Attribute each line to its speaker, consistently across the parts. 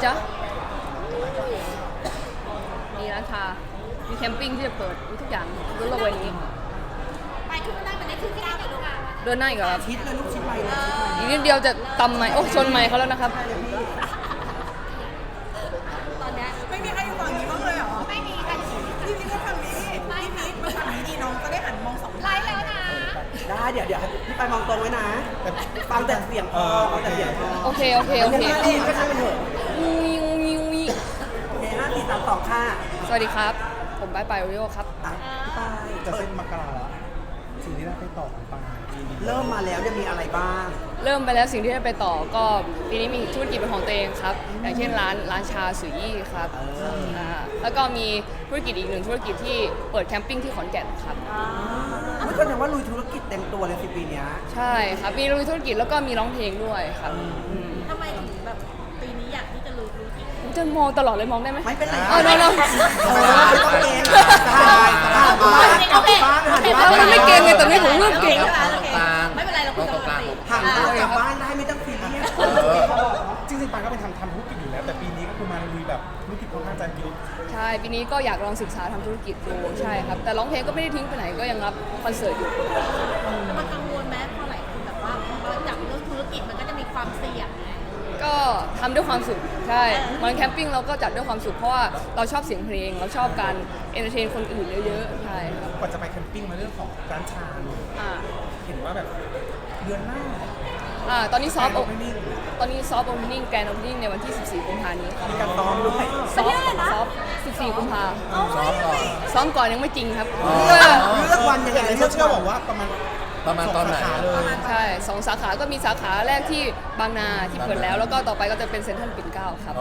Speaker 1: จ๊ะมีร้านชามีแคมปิ้งที่จะเปิดมีทุกอย่างบนโลกใบนี้
Speaker 2: ไปขึ้นมานั่งมันได้ขึ้นที่นั่งเลยลูก
Speaker 1: เดินหน้าอีกเหรอครับ
Speaker 3: ชิดเลยลูกชิดไปเลย
Speaker 1: อีกนิดเดียวจะตำไม้โอ้ชนไม้เขาแล้วนะครับ
Speaker 2: ตอนนี้
Speaker 3: ไม่มีใครอยู่ฝั่งนี้บ้างเลยเหรอ
Speaker 2: ไม่มีใคร
Speaker 3: พี่พีทก็ฝั่งนี้พี่พีทมาฝั่งนี้ดีน้องจะได้หันมองสอง
Speaker 2: ไลฟ์แล้วนะ
Speaker 3: ได้เดี๋ยวพี่ไปมองตรงไว้นะฟังแต่เสียงพอฟังแต่เสียงพอ
Speaker 1: โอเค
Speaker 3: ก็ช่างเป็นเถอะ
Speaker 1: งูงูงู
Speaker 3: โอเค5 4 3 2ค่ะ
Speaker 1: สวัสดีครับ ผมไปโอริโอครับ
Speaker 3: พี่ไป
Speaker 4: จะเส้นมกราแล้วสิ่งที่ได้ไปต่อของปัง
Speaker 3: เริ่มมาแล้วจะมีอะไรบ้าง
Speaker 1: เริ่มไปแล้วสิ่งที่ได้ไปต่อก็ปีนี้มีธุรกิจเป็นของตัวเองครับอย่างเช่นร้านชาสุยี่ครับแล้วก็มีธุรกิจอีกหนึ่งธุรกิจที่เปิดแคมปิ้งที่ขอนแก่นครับ
Speaker 3: ไม่แสดงว่าลุยธุรกิจเต็มตัวเลย10 ปีเนี้ย
Speaker 1: ใช่ครับมีลุยธุรกิจแล้วก็มีร้องเพลงด้วยครับ
Speaker 2: ทำไมถึงแบบปีนี้อยากที่จะรู้ธุรกิจ
Speaker 1: ผมจะมองตลอดเลยมองได้ไหม
Speaker 3: ไม่เป็นไร
Speaker 1: อ๋อ no
Speaker 3: ไม่ต้องเกณฑ์
Speaker 1: มันไม่เก่งไงแต่นี่ผมเริ่มเก่ง
Speaker 2: ไม่เป็นไรเราคุยกันปกติ
Speaker 3: ห่างตัวจากบ้านได้ไม่ต้องซีเรียส
Speaker 4: จริงๆปังก็เป็นทำธุรกิจอยู่แล้ว แต่ปีนี้ก็คือมาลุยแบบธุรกิจค่อนข้างจะเยอะ
Speaker 1: ใช่ปีนี้ก็อยากลองศึกษาทำธุรกิจดูใช่ครับแต่ร้องเพลงก็ไม่ได้ทิ้งไปไหนก็ยังรับคอนเสิร์ตอยู่
Speaker 2: มันกังวลไหมพอหลายคนแบบว่าพอจับเรื่องธุรกิจมันก็จะมีความเสี่ยงไง
Speaker 1: ก็ทำด้วยความสุขใช่มันแคมปิ้งเราก็จัดด้วยความสุขเพราะว่าเราชอบเสียงเพลงเราชอบการเอนเตอร์เทนคนอื่นเยอะๆใช่ครับ
Speaker 4: กว่าจะไปแคมปิ้งมาเรื่องของร้านชาเนี่ย
Speaker 1: อ่า
Speaker 4: เห็นว่าแบบเดือนหน้า
Speaker 1: ตอนนี้ซอฟต์
Speaker 4: ไม่นิ่ง
Speaker 1: ตอนนี้ซอฟต์โอเพนนิ่งแกรนด์โอเพนนิ่งในวันที่ 14 กุมภาพันธ์นี้ครับ
Speaker 4: มีการซ้อมด้วย
Speaker 1: ซอฟต์14 กุมภา
Speaker 5: ซ้อมก่อน
Speaker 1: ซ้อมก่อนยังไม่จริงครับ
Speaker 3: เลือกวันยังไง
Speaker 4: เห็นในโซเชียลบอกว่าประมาณ
Speaker 5: ตอนไหน
Speaker 4: สงสาขาเลย
Speaker 1: ใช่2 สาขาก็มีสาขาแรกที่บางนาที่เปิดแล้วแล้วก็ต่อไปก็จะเป็นเซ็นทรัลปิ่นเกล้าครับ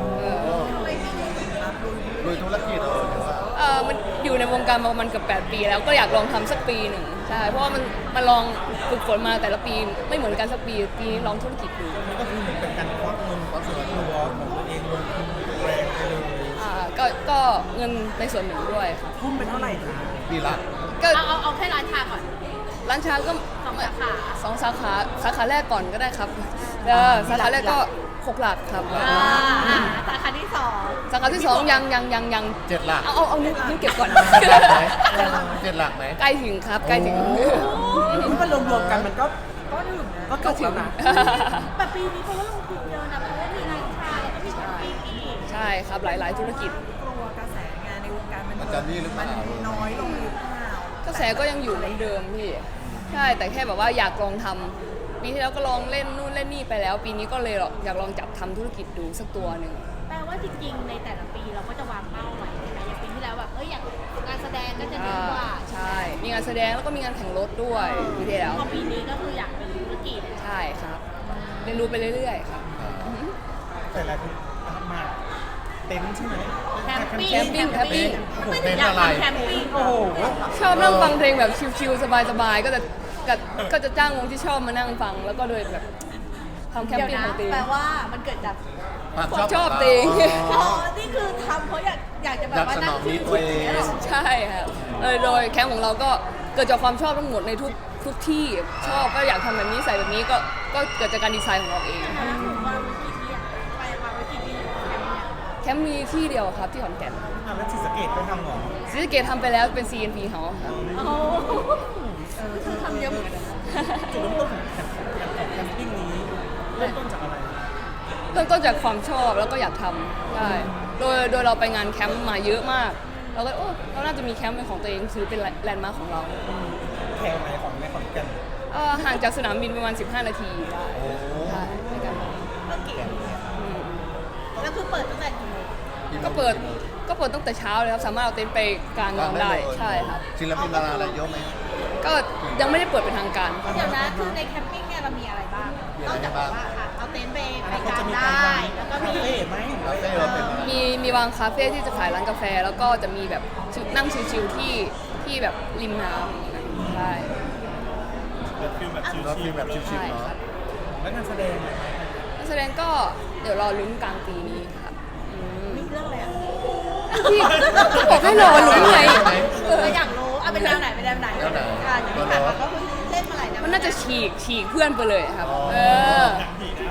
Speaker 5: ลุยธุรกิจ
Speaker 1: มันอยู่ในวงการมาประมาณเกือบ8 ปีแล้วก็อยากลองทำสักปีหนึ่งใช่เพราะว่ามันลองฝึกฝนมาแต่ละปีไม่เหมือนกันสักปีนี้ลองธุรกิจดู
Speaker 4: นี่ก็คือเหมือนเป็นการควักเงินควักส่วนตัวของตัวเองลงทุนแรงไปเลย
Speaker 1: ก็เงินในส่วนหนึ่งด้วยครับ
Speaker 3: ทุ่มเป็นเท่าไหร่คะ
Speaker 5: ปีละ
Speaker 1: ก็
Speaker 2: เอาแค่ร้านชาก่อน
Speaker 1: ร้านชาก็
Speaker 2: 2 สาขา
Speaker 1: 2 สาขาแรกก่อนก็ได้ครับสาขาแรกก็6 หลักครับ
Speaker 2: สาขาที่2
Speaker 1: สาขาที่2ยัง
Speaker 5: 7 หลัก
Speaker 1: เอานิ้วเก็บก่อน
Speaker 5: 7 หลักไหม
Speaker 1: ใกล้ถึงครับใกล้ถึง
Speaker 3: ถ้ามันรวมๆกันมันก็ก็ถึงนะ
Speaker 2: แบบปีนี้เพราะว่าลงทุนเยอะนะเพราะว่ามีร้านชาแล้วก็มีแคมปิ้งอีก
Speaker 1: ใช่ครับหลายธุรกิจ
Speaker 3: กลัวกระแสงานในวงการ
Speaker 5: มันจะนี่หรือเปล่า
Speaker 3: น้อยลงหรือเปล่าก
Speaker 1: ระแสก็ยังอยู่เหมือนเดิมพี่ใช่แต่แค่แบบว่าอยากลองทำปีที่แล้วก็ลองเล่นนู่นเล่นนี่ไปแล้ว ปีนี้ก็เลยอยากลองจับทำธุรกิจดูสักตัวหนึ่ง
Speaker 2: แปลว่าจริงๆ ในแต่ละปีเราก็จะวางเป้าไว้ใช่ไหมอย่างปีที่แล้วแบบอยากงานแสดงก็จะเยอะกว่า
Speaker 1: ใช่ มีงานแสดงแล้วก็มีงานแข่งรถด้วยปีที่แล้ว
Speaker 2: พอปีนี้ก็คืออยากเป็นธุรกิจ
Speaker 1: ใช่ครับเรียนรู้ไปเรื่อยๆครับ
Speaker 4: แต่หลายคนมาเต็นท์ใช่ไหม
Speaker 2: แคมปิ้ง
Speaker 1: แคมปิ้ง
Speaker 2: ไม่ถึงอยากทำแคมปิ้ง
Speaker 4: โอ้โห
Speaker 1: ชอบนั่งฟังเพลงแบบชิลๆสบายๆก็จะจ้างวงที่ชอบมานั่งฟังแล้วก็โดยแบบทำแคม
Speaker 2: เดี๋ยว
Speaker 1: ปิ้ง
Speaker 2: นะ
Speaker 1: ของตี
Speaker 2: แปลว่ามันเกิดจาก
Speaker 1: ความชอบตี
Speaker 2: อ๋อนี่คือทำเพราะอยากจะแบบว่านั่ง
Speaker 1: ใช่ครับโดยแคมป์ของเราก็เกิดจากความชอบทั้งหมดในทุกที่ชอบก็อยากทำแบบนี้ใส่แบบนี้ก็เกิดจากการดีไซน์ของเราเอง
Speaker 2: วางไว้กี่ที่อะไปวางไว้กี่ที่แคมป์เนี่ย
Speaker 1: แคมป์มีที่เดียวครับที่ขอนแก่น
Speaker 4: แล้วศรีสะเกดก็ทำเหรอ
Speaker 1: ศรีสะเกษทำไปแล้วเป็น CNP เขาครับ
Speaker 2: โอ้โหคือทำเยอะเหมือนกันนะ
Speaker 4: จุดเริ่มต้นของแคมปิ้งนี้เริ่มต้นจากอะไร
Speaker 1: เริ่มต้นจากความชอบแล้วก็อยากทำใช่โดยเราไปงานแคมป์มาเยอะมากเราก็เราน่าจะมีแคมป์เป็นของตัวเองถือเป็นแลนด์มาร์คของเรา
Speaker 4: แถวไหนของในขอนแก่น
Speaker 1: ห่างจากสนามบินประมาณ15 นาทีได้ใช่ในการมา
Speaker 2: ก็เก๋แล้วคือเปิดตั้งแต่กี่โมง
Speaker 1: ก็เปิดตั้งแต่เช้าเลยครับสามารถเอาเต็นท์ไปกางนอนได้ใช่ครับ
Speaker 5: ศิลปินดาราอะไรเยอะไหม
Speaker 1: ก็ยังไม่ได้เปิดเป็นทางการ
Speaker 2: เดี๋ยวนะคือในแคมปิ้งเนี่ยเรามีอะไรบ้างนอกจากแบบว่าเอาเต็นท์ไปกางได้ แล้วก็มี
Speaker 4: คาเฟ่ไหม
Speaker 5: คาเฟ่เราเป็นอะไร
Speaker 1: มีวางคาเฟ่ที่จะขายร้านกาแฟ แล้วก็จะมีแบบนั่งชิลๆที่แบบริมน้ำใช่
Speaker 4: แบบฟิลแบบชิ
Speaker 5: เราฟิลแบบชิ
Speaker 1: ใช่
Speaker 5: ลๆ
Speaker 1: ครั
Speaker 5: เนาะ
Speaker 1: บ
Speaker 4: แล้วงานแสดง
Speaker 1: นักแสดงก็เดี๋ยวรอลุ้นกลางปีนี้ครับ
Speaker 2: มีเรื่องอะไรอ่ะ
Speaker 1: พี่บอกให้รอลุ้นไง
Speaker 2: เราอยากรู้เอาเป็นแนวไหนเป็นแนวไหนอย่างที่ผ่านมาก็คือเล่นมาหลายแนว
Speaker 1: มันน่าจะฉีกเพื่อนไปเลยครับ
Speaker 5: อ๋อ
Speaker 1: เออ
Speaker 4: หนังผีนะ
Speaker 5: ฉ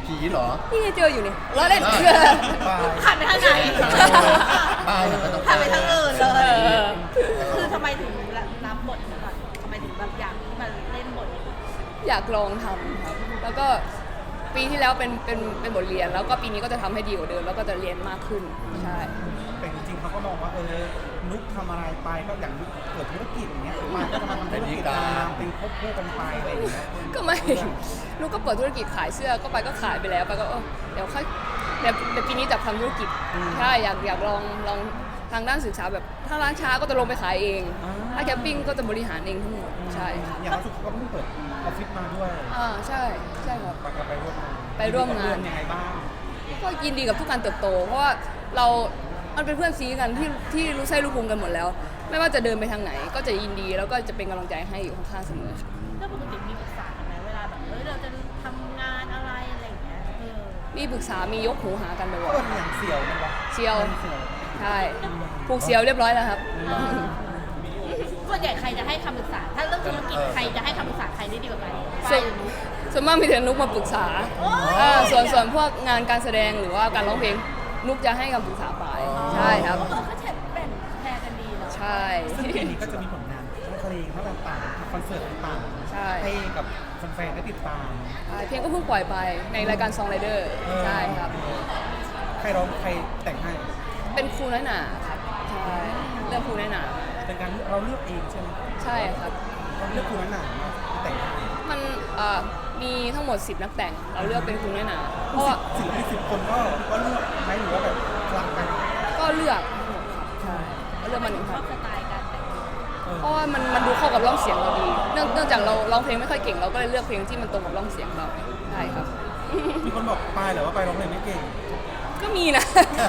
Speaker 5: ผีเหรอ
Speaker 1: นี่ไงเจออยู่นี่ล้อเล่น
Speaker 2: หันไปทางไหน
Speaker 5: ป้ายมันต้อง
Speaker 2: หันไปทางอื่นเล
Speaker 1: เอย อ
Speaker 2: คือทำไมถึงรับบทนี้ก่อนทำไมถึงแบบอยากที่มาเล่นบทนี้
Speaker 1: อยากลองทำครับ แล้วก็ปีที่แล้วเป็นบทเรียน แล้วก็ปีนี้ก็จะทำให้ดีกว่าเดิมแล้วก็จะเรียนมากขึ้นใช่
Speaker 4: แต่จริงๆเขาก็มองว่านุกทำอะไรไปก็อย่างนุกเกิดธุรกิจอย่างเงี้ยมาก็จะมาทำธุรกิจตามเป็นควบคู่กันไปอะไรอย่างเงี้ย
Speaker 1: ก็ไม่ลูกก็เปิดธุรกิจขายเสื้อก็ไปก็ขายไปแล้วไปก็เดี๋ยวค่อยเดี๋ยวปีนี้จะทำธุรกิจใช่อยากลองทางด้านศึกษาแบบถ้าร้านช้าก็จะลงไปขายเองถ้าแคมปิ้งก็จะบริหารเองทั้งหมดใช่ค่ะ
Speaker 4: อย่างล่าสุดเขาก็เพิ่งเปิดออฟฟิศมาด้วย
Speaker 1: ใช่ครับ
Speaker 4: ปากกาไปร่วมงาน
Speaker 1: ไปร่วมงาน
Speaker 4: ยังไงบ้าง
Speaker 1: ก็ยินดีกับทุกการเติบโต เพราะว่ามันเป็นเพื่อนซีกันที่รู้ไส้รู้พุงกันหมดแล้ว ไม่ว่าจะเดินไปทางไหนก็จะยินดีแล้วก็จะเป็นกำลังใจให้อยู่ข้างๆเสมอค่ะ
Speaker 2: แล้วปกติมีปรึกษากันไหมเวลาแบบเราจะทำงานอะไรอะไรอย่างเงี้ย
Speaker 1: มีปรึกษามียกหูหากันบ่อย
Speaker 4: เปิดอย่างเสี่ยวมันวะ
Speaker 1: ๆเชียว
Speaker 4: เสี่ยว
Speaker 1: ใช่ผูกเสียวเรียบร้อยแล้วครับ
Speaker 2: ส่วนใหญ่ใครจะให้คำปรึกษา ถ้าเรื่องธุรกิจใครจะให้คำปรึกษาใครได้ดีกว่ากัน
Speaker 1: ส่วนส่วนมากมีแต่นุกมาปรึกษาส่วนพวกงานการแสดงหรือว่าการร้องเพลงนุกจะให้คำปรึกษาไปใช่ครับ
Speaker 2: ก็แบ่งแชร์กันดีเนาะ
Speaker 1: ใช่
Speaker 4: ซึ่งปีนี้ก็จะมีผลงานทั้งเพลงทั้งต่างๆคอนเสิร์ตต่างๆ
Speaker 1: ใช่
Speaker 4: ให้กับแฟนๆได้ติดตาม
Speaker 1: เพลงก็เพิ่งปล่อยไปในรายการ Song Rider ใช่ครับ
Speaker 4: ใครร้องใครแต่งให้
Speaker 1: เป็นครูน้อยหนาครับใช่เรื่องครูน้อยหนา
Speaker 4: เป็นการเราเลือกเองใช่ไหม
Speaker 1: ใช่ครับ
Speaker 4: เราเลือกคุณหนามาแต่งให้
Speaker 1: มันมีทั้งหมด10นักแต่งเราเลือกเป็นครูน้อยหนาเพราะว่า
Speaker 4: ศิลปิน10 คนก็เลือกไหมหรือว่าแบบคลังกัน
Speaker 1: ก็เลือกใช่ก็เลือกมาหนึ่ง
Speaker 2: ช
Speaker 1: ค
Speaker 2: อ
Speaker 1: รั
Speaker 2: บบ สไตล์การแต่งตัว
Speaker 1: เพราะว่ามันดูเข้ากับร่องเสียงเราดีเนื่องจากเราร้องเพลงไม่ค่อยเก่งเราก็เลยเลือกเพลงที่มันตรงกับร่องเสียงเราใช่ครับ
Speaker 4: มีคนบอกปายเหรอว่าปายร้องเพลงไม่เก่ง
Speaker 1: ก็มีนะ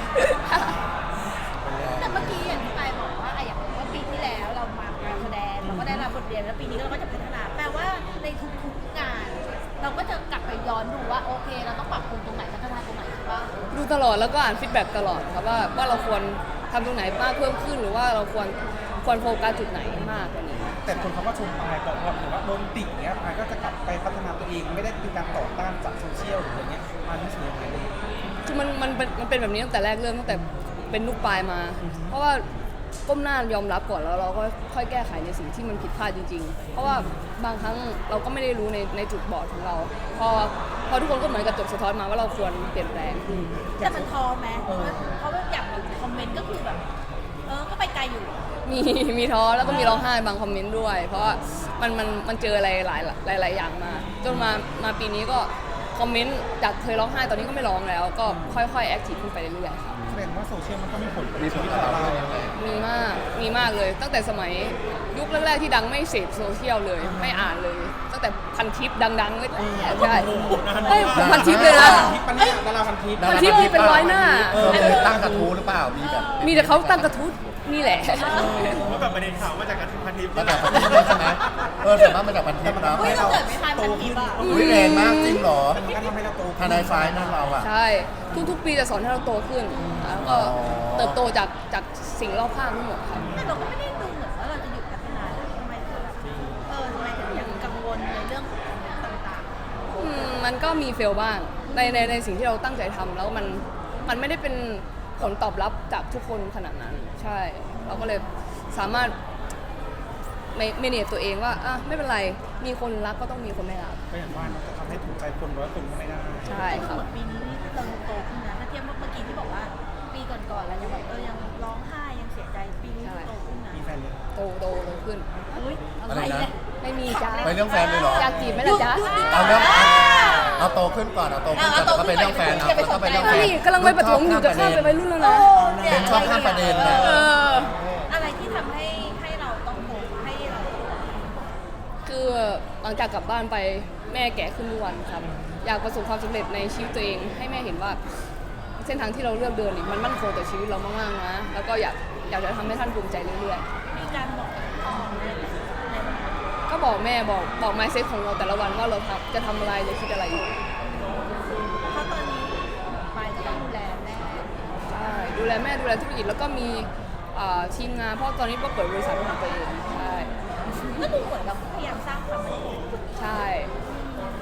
Speaker 2: แต่เมื่อกี้อย่างที่ปายบอกว่าอย่างว่าปีที่แล้วเรามาการแสดงเราก็ได้รับบทเรียนแล้วปีนี้เราก็จะพัฒนาแปลว่าในทุกๆงาน เราก็จะกลับไปย้อนดูว่าโอเค เราต้องปรับปรุงตรงไหนพัฒนาตรงไหนใช่ปะ
Speaker 1: ดูตลอดแล้วก็อ่านฟีดแบ็กตลอดครับว่าเราควรทำตรงไหนมากเพิ่มขึ้นหรือว่าเราควรโฟกัสจุดไหนมากกว่านี้
Speaker 4: แต่คนเขาก็ชมปายบอกว่าหรือว่าโดนติเงี้ยปายก็จะกลับไปพัฒนาตัวเองไม่ได้เป็นการต่อต้านจากโซเชียลหรืออะไรเงี้ยปายรู้สึกยังไงเลย
Speaker 1: คือมันเป็นแบบนี้ตั้งแต่แรกเริ่มตั้งแต่เป็นลูกปลายมา เพราะว่าก้มหน้ายอมรับก่อนแล้วเราก็ค่อยแก้ไขในสิ่งที่มันผิดพลาดจริงๆ เพราะว่าบางครั้งเราก็ไม่ได้รู้ในจุดบอดของเรา พอทุกคนก็เหมือนกับจบสะท้อนมาว่าเราควรเปลี่ยนแปลง
Speaker 2: แต่มันท้อไหมเพราะว่าอย่างคอมเมนต์ก็คือแบบก็ไปไกลอยู่
Speaker 1: มีท้อแล้วก็มีร้องไห้บางคอมเมนต์ด้วย เพราะว่ามันเจออะไรหลายอย่างมาจนมาปีนี้ก็คอมเมนต์จากเคยร้องไห้ตอนนี้ก็ไม่ร้องแล้ว ก็ค่อยๆแอคทีฟขึ้นไปเรื่อยๆครับ
Speaker 4: แสดงว่าโซเชียลมันก็มีผล
Speaker 5: มีผลกับเราด้วยนะ
Speaker 1: มีมากเลยตั้งแต่สมัยยุคแรกๆที่ดังไม่เสพโซเชียลเลยไม่อ่านเลย ตั้งแต่พันทิปดังๆเลยใช่เฮ้ยพันทิปเลยนะ
Speaker 4: ทิปปะเนี่ยดาราพันทิป
Speaker 1: พันทิปมีเป็นร้อยหน้า
Speaker 5: มีตั้งกระทู้หรือเปล่า มีแบบ
Speaker 1: มีแต่เขาตั้งกระทู้นี่แหละ
Speaker 6: ว่าแบบประเด็นข่าวมาจากการพันทิป
Speaker 5: มาจากพันทิปด้วยใช่ไหมส่วนมากมาจากพันทิปนะ
Speaker 2: เฮ้ยเราเกิดไม่ทันพันทิปอ่ะ
Speaker 5: อุ้ยแรงมากจริงเหรอ
Speaker 4: มันก็ทำให้เราโต
Speaker 5: ทนายไฟล์นั่นเราอ่ะ
Speaker 1: ใช่ทุกๆปีจะสอนให้เราโตขึ้นแล้วก็เติบโตจากสิ่งรอบข้างทั้งหมดครับ
Speaker 2: แต่เราก็ไม่ได้ดูเหมือนว่าเราจะหยุดพัฒนานะทำไมถึงแบบทำไมถึงยังกังวลในเรื่องต่าง
Speaker 1: มันก็มีเฟลบ้างในสิ่งที่เราตั้งใจทำแล้วมันไม่ได้เป็นผลตอบรับจากทุกคนขนาดนั้น ใช่ เราก็เลยสามารถเมเนจตัวเองว่าไม่เป็นไรมีคนรักก็ต้องมีคนไม่รัก
Speaker 4: ก็อย่างว่ามันจะทำให้ถูกใจคน100 คนก็ไม่ได้
Speaker 1: ใช่
Speaker 2: ๆ
Speaker 1: ครับ
Speaker 2: เหมือนปีนี้เราโตขึ้นนะถ้าเทียบเมื่อกี้ที่บอกว่าปีก่อนๆเรายังแบบยังร้องไห้ยังเสียใจปีนี้โตขึ้นนะ
Speaker 4: มีแฟนเลย
Speaker 1: โตขึ้น
Speaker 2: อุ้ยอะไร
Speaker 5: อะไรนะ
Speaker 2: เนี่ย
Speaker 1: ไม่มีจ้า
Speaker 5: ไปเรื่องแฟนเลยเหรอ
Speaker 1: อยากจีบไหมล่ะจ๊ะ
Speaker 5: เอาเรื่องเอาโตขึ้นก่อนเอาโตขึ้นก่อนแล้วก็ไปเรื่องแฟนเอาแล้วก็ไปเรื่องแฟน
Speaker 1: นี่กำลังไปประถมอยู่จะข้ามไปวัยรุ่นแล้วนะ
Speaker 5: เป็นชอบข้ามประเด็นนะ
Speaker 2: อะไรที่ทำให้เราต้องโตให้เรา
Speaker 1: คือหลังจากกลับบ้านไปแม่แก่ขึ้นทุกวันครับอยากประสบความสำเร็จในชีวิตตัวเองให้แม่เห็นว่าเส้นทางที่เราเลือกเดินนี่มันมั่นคงต่อชีวิตเรามากๆนะแล้วก็อยากจะทำให้ท่านภูมิใจเรื่อยๆ
Speaker 2: มีการบอกพ่อแม่ในวันนั้น
Speaker 1: ก็บอกแม่บอก mindset ของเราแต่ละวันว่าเราจะทำอะไรจะคิดอะไรอยู่
Speaker 2: เพราะตอนนี้ปายก็ต้องดูแลแม่
Speaker 1: ใช่ดูแลแม่ดูแลธุรกิจแล้วก็มีทีมงานเพราะตอนนี้ก็เปิดบริษัทของตัวเองใช่
Speaker 2: ก็ดูเหมือนเราพยายามสร้างความมั่นคง
Speaker 1: ใช่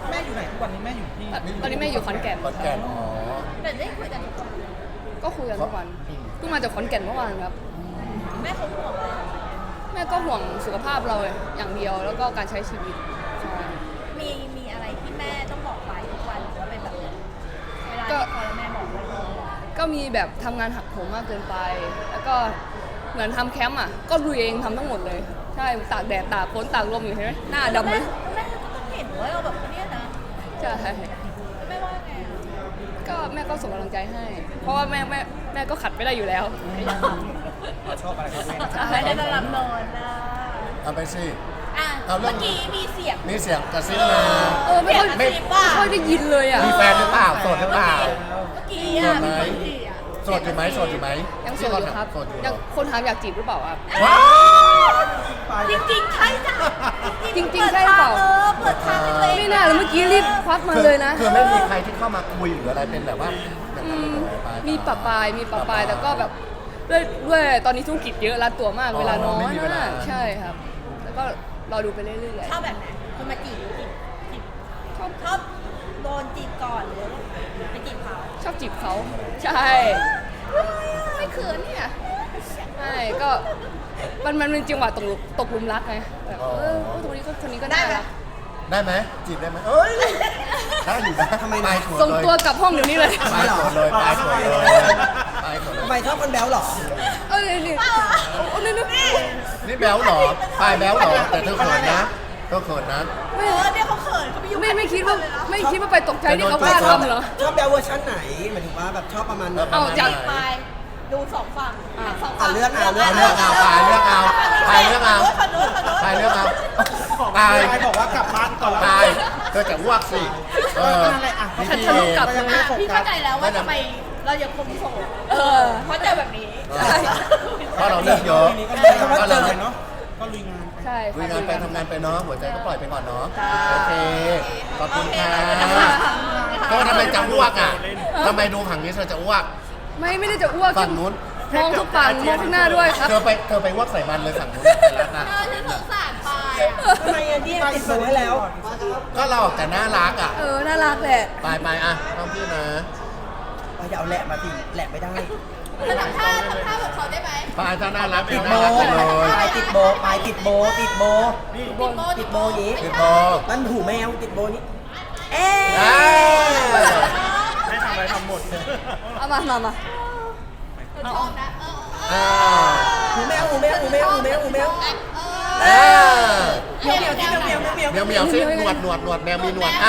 Speaker 4: แม่อยู่ไหนทุกวันนี้แม่อยู่ที่
Speaker 1: ตอนนี้แม่อยู่ขอนแก่น
Speaker 5: ขอนแก่นอ๋อ
Speaker 2: แต่ได้คุยกันทุกวัน
Speaker 1: ก็คุยกันทุกวันเพิ่งมาจากขอนแก่นเมื่อวานครับ
Speaker 2: แม่เขาห่วงอะไร
Speaker 1: แม่ก็ห่วงสุขภาพเราอย่างเดียวแล้วก็การใช้ชีวิตใช่
Speaker 2: มีอะไรที่แม่ต้องบอกไปทุกวันหรือว่าเป็นแบบเวลา
Speaker 1: ก็
Speaker 2: ที่พอแล้วแม่บอกเลย
Speaker 1: ก็มีแบบทำงานหักโหมมากเกินไป แล้วก็เหมือนทำแคมป์อ่ะก็ลุยเองทำทั้งหมดเลย ใช่ตากแดดตากฝนตากลมอยู่เห็นไหมหน้าดำเลย
Speaker 2: แม่ก็ต้องเห็นว่าเราแบบเนี้ยนะ
Speaker 1: ใช่
Speaker 2: แม่ว่าไงอ่ะ
Speaker 1: ก็แม่ก็ส่งกำลังใจให้ เพราะว่าแม่ก็ขัดไม่ได้อยู่แล้ว
Speaker 4: เราชอบอะไรครับแม่
Speaker 1: ใช่
Speaker 2: ไม่ได้นอนนอนนะ
Speaker 5: เอาไปสิ
Speaker 2: อ่ะ
Speaker 5: เอาเรื่
Speaker 2: เมื่
Speaker 5: อง
Speaker 2: อกี้มีเสียง
Speaker 5: มีเสียงกระซิบมา
Speaker 1: ไม่ค่อย
Speaker 2: ไม่
Speaker 1: ไม่ค่อยได้ยินเลยอ่ะ
Speaker 5: มีแฟนหรือเปล่าโสดหรือเปล่า
Speaker 2: เมื่อกี้อ่ะ
Speaker 5: โสดไหม
Speaker 2: เมื่อกี้อ่ะ
Speaker 5: โสดอยู่ไหมโสดอยู่ไหม
Speaker 1: ยังโสดอยู่ครับ
Speaker 5: โสดอยู่
Speaker 1: ยังคนถามอยากจีบหรือเปล่าครับ
Speaker 5: ว้าว
Speaker 2: จริงๆใช่จ้ะ
Speaker 1: จริงๆใช่หรือเปล่า
Speaker 2: เปิดทางให้ตัวเอง
Speaker 1: ไม่น่าเลยเมื่อกี้รีบควักมาเลยนะ
Speaker 5: คือไม่มีใครที่เข้ามาคุยหรืออะไรเป็นแบบว่าอย่าง
Speaker 1: อื
Speaker 5: นั้น
Speaker 1: ม
Speaker 5: เลยไป
Speaker 1: มีปะปายแต่ก็แบบด้วยตอนนี้ธุรกิจเยอะรัดตัวมากเวลาน้อย
Speaker 5: ไม่มีเวลา
Speaker 1: มากใช่ครับ แล้วก็รอดูไปเรื่อย
Speaker 2: ชอบแบบไหนคนมาจีบชอบโดนจีบก่อนหรือไปจีบเขา
Speaker 1: ๆชอบจีบเขาใช่ไม่เขินเนี่ยใช่ก็มันเป็นจังหวะตกหลุมรักไงแบบตรงนี้ก็คนนี้ก็ได้รัก
Speaker 5: ได้ไหมจีบได้ไหมเอ้ยได้อยู่นะ
Speaker 3: ทำไม
Speaker 5: ไป
Speaker 3: นะ
Speaker 5: สวน
Speaker 1: ส่ง
Speaker 5: เลย
Speaker 1: ตัวกลับห้องเดี๋ยวนี้เลย
Speaker 5: ไปสวนเลยไปสวนเลยไปสวนเล
Speaker 3: ทำไม
Speaker 5: ย
Speaker 3: ชอบคนแบ๊วเหรอ
Speaker 1: เออนี่โอ้นี่
Speaker 5: นี่แบ๊วเหรอปลายแบ๊วเหรอแต่เธอเขินนะเธอเขินนะ
Speaker 2: เนี่ยเขาเขินเขาไปยุ่ง
Speaker 1: ไม่คิดว่าไปตกใจที่เขากล้าทำเหรอ
Speaker 3: ชอบแบ๊วเวอร์ชันไหนหมายถึงว่าแบบชอบประมาณไหน
Speaker 1: เอาจาก
Speaker 2: ไปดูสองฝั่งสองฝั่ง
Speaker 3: เลือกเอา
Speaker 5: เลือกเอาปลายเลือกเอาปลายเลือกเอา
Speaker 2: ฝั่งนู้นฝั่งนู้น
Speaker 5: ปลายเลือกเอาปลาย
Speaker 4: ไปบอกว่ากลับบ้านก่อน
Speaker 5: ปลายเธอจะอ้วกสิเออ
Speaker 4: นั่นแหละอ่ะ
Speaker 5: นี่
Speaker 1: ฉัน
Speaker 5: พี่
Speaker 1: ทะลุกลับ
Speaker 4: ก็ยังไม่ได้โฟ
Speaker 2: พี่
Speaker 4: กั
Speaker 2: เข้า
Speaker 4: ส
Speaker 2: ใจแล้วว่าทำไมเรายังคงโสด
Speaker 1: เออ
Speaker 2: เพราะเจอแบบนี้
Speaker 5: เพราะเราเลือกเยอะ
Speaker 4: ทีนี้ก็
Speaker 3: ใช้คำว่า
Speaker 5: ก็
Speaker 3: เจ
Speaker 5: เรา
Speaker 3: อ
Speaker 4: เนาะก็ลุยงาน
Speaker 1: ใช่
Speaker 5: คุยงานไปทำงานไปเนาะหัวใจก็ปล่อยไปก่อนเนาะ
Speaker 1: ค่ะ
Speaker 5: โอเคขอบคุณค่ะเธอทำไมจะอ้วกอ่ะทำไมดูผังนี้เธอจะอ้วก
Speaker 1: ไม่ได้จะอ้วก
Speaker 5: ฝั่งนู้น
Speaker 1: มองทุกฝั่งมองข้างหน้าด้วยครับ
Speaker 5: เธอไปอ้วกใส่มันเลยฝั่งนู้นไปแล้วนะ
Speaker 2: ฉันสงสารปายอ่ะ
Speaker 3: ทำไมอันนี้ติดสูงให้แล้ว
Speaker 5: ก็เราแต่น่ารักอ่ะ
Speaker 1: น่ารักแหละ
Speaker 5: ไปอ่ะต้องพี่นะ
Speaker 3: อย่าเอาแหละมาสิแหละไม่ได้
Speaker 2: เธอทำท่าแบบเขาได้ไหม
Speaker 5: ไปถ้าน่ารัก
Speaker 3: ติด
Speaker 5: น่า
Speaker 3: โบ
Speaker 5: รักไปเลย
Speaker 3: ปลายติดโบปลายติดโบติดโบ ติดโบอย่างนี้
Speaker 5: พี่โบ
Speaker 3: นั่นหูแมวติดโบนี้ เอ๊ะ
Speaker 5: อ่า
Speaker 6: ให้ทำอะไรทำหมด
Speaker 1: เอามา
Speaker 2: ชอบนะ
Speaker 5: อ่า
Speaker 3: หูแมวหูแมวหูแมวหูแมวหูแมว
Speaker 5: อ่า
Speaker 3: เมียวเมียวที่เมียวเมียวเมียว
Speaker 5: เมียวซิหนวดแมวมีหนวด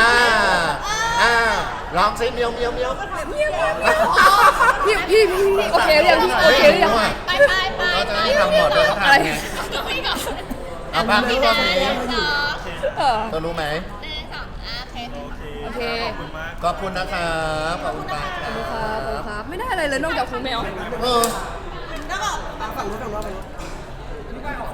Speaker 5: ร้องซิเมียว
Speaker 1: พี่โอเคหรือยังพี่โอเคหรือยัง
Speaker 2: ไป
Speaker 5: เขาจะให้ทำหมดเลยเขาทำไง
Speaker 2: ก็ไม่ก่อน
Speaker 5: เอาบ้างพี่ว่านี้
Speaker 1: เออ
Speaker 5: เธอรู้ไหม
Speaker 2: โอเค
Speaker 1: โอเค
Speaker 6: ขอบคุณมาก
Speaker 5: ขอบคุณนะครับขอบคุณมากค
Speaker 1: ข
Speaker 5: รั
Speaker 1: อบบ คุณครับไม่ได้อะไรเลยนอกจากหูแมว
Speaker 5: เออ
Speaker 3: ฝั่งนู้นฝั่งนู้น